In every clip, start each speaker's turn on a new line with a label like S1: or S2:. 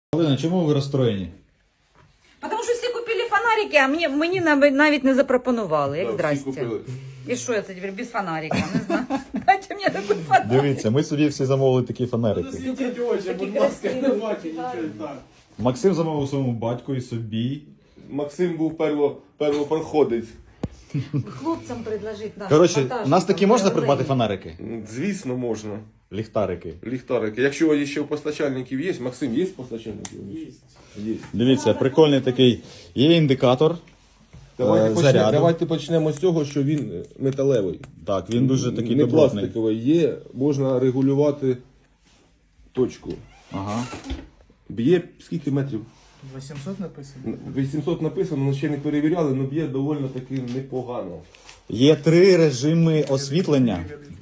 S1: Галина, чому ви розстроєні?
S2: Тому що всі купили фонарики, а мені навіть не запропонували. Як
S3: Да, всі
S2: здрасте.
S3: купили.
S2: І що я тепер без фонарика? Не знаю. Дайте мені такий фонарик.
S1: Дивіться, ми собі всі замовили такі фонарики.
S4: Світіть очі, будь ласка, не бачу нічого так.
S1: Максим замовив своєму батьку і собі.
S3: Максим був первопроходець.
S2: Хлопцям предложить наш
S1: Коротше,
S2: монтажник,
S1: у нас такі можна
S2: Олені.
S1: придбати фонарики?
S3: Звісно, можна.
S1: Ліхтарики.
S3: Ліхтарики. Якщо ще у постачальників є, Максим, є постачальників? Є.
S1: Дивіться, прикольний такий. Є індикатор. Заряду.
S3: Давайте почнемо з цього, що він металевий.
S1: Так, він дуже такий
S3: Не
S1: добротний.
S3: пластиковий. Є, можна регулювати точку.
S1: Ага.
S3: Б'є скільки метрів?
S4: 800 написано.
S3: 800 написано, але ще не перевіряли, але б'є доволі таки непогано.
S1: Є 3 режими освітлення.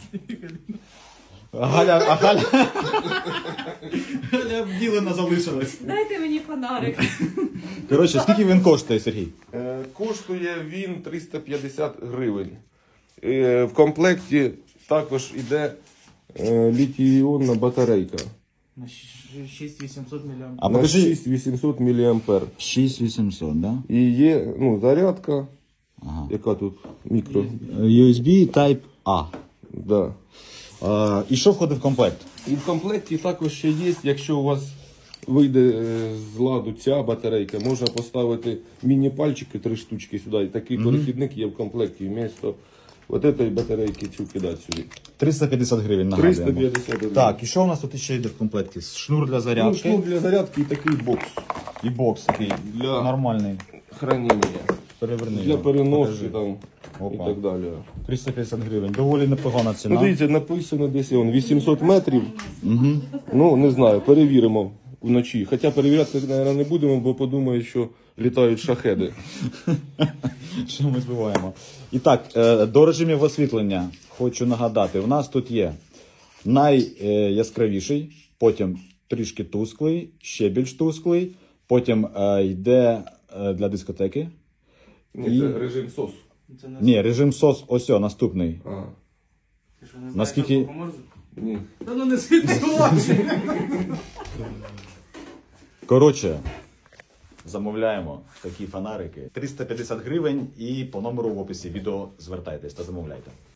S1: Галя обділена залишилась.
S2: Дайте мені фонарик.
S1: Коротше, скільки він коштує, Сергій?
S3: Коштує він 350 гривень. В комплекті також йде літій-іонна батарейка.
S4: На 6800 мА.
S1: А
S3: На
S1: покажи.
S3: 6800 мА.
S1: 6800, да?
S3: І є зарядка,
S1: Ага.
S3: яка тут мікро.
S1: USB Type A.
S3: Да.
S1: І що входить в комплект?
S3: І в комплекті також ще є, якщо у вас вийде з ладу ця батарейка, можна поставити міні-пальчики 3 штучки сюди. І такий перехідник є в комплекті. Вмісто от цієї батарейки цю кидати сюди.
S1: 350 гривень, нагадуємо.
S3: 350 гривень.
S1: Так, і що у нас тут ще йде в комплекті? Шнур для зарядки
S3: Шнур для зарядки і такий бокс
S1: і бокс такий
S3: Для-
S1: нормальний.
S3: хранення.
S1: Переверни
S3: Для
S1: його,
S3: переноски
S1: покажи.
S3: там
S1: Опа.
S3: і так далі.
S1: 350 гривень. Доволі непогана ціна.
S3: Ну, дивіться, написано десь 800 метрів.
S1: Угу.
S3: Ну, не знаю, перевіримо вночі. Хоча перевіряти, мабуть, не будемо, бо подумають, що літають шахеди.
S1: Що ми збиваємо. І так, до режимів освітлення хочу нагадати. У нас тут є найяскравіший, потім трішки тусклий, ще більш тусклий, потім йде для дискотеки.
S3: Ні, це режим СОС.
S4: Це не
S1: Ні, режим СОС, ось о, наступний.
S3: А,
S4: ти що, не знаєш,
S1: Наскільки-
S4: як допоможе?
S3: ні.
S4: Та ну не світи очі.
S1: Коротше, замовляємо такі фонарики. 350 гривень і по номеру в описі відео звертайтесь та замовляйте.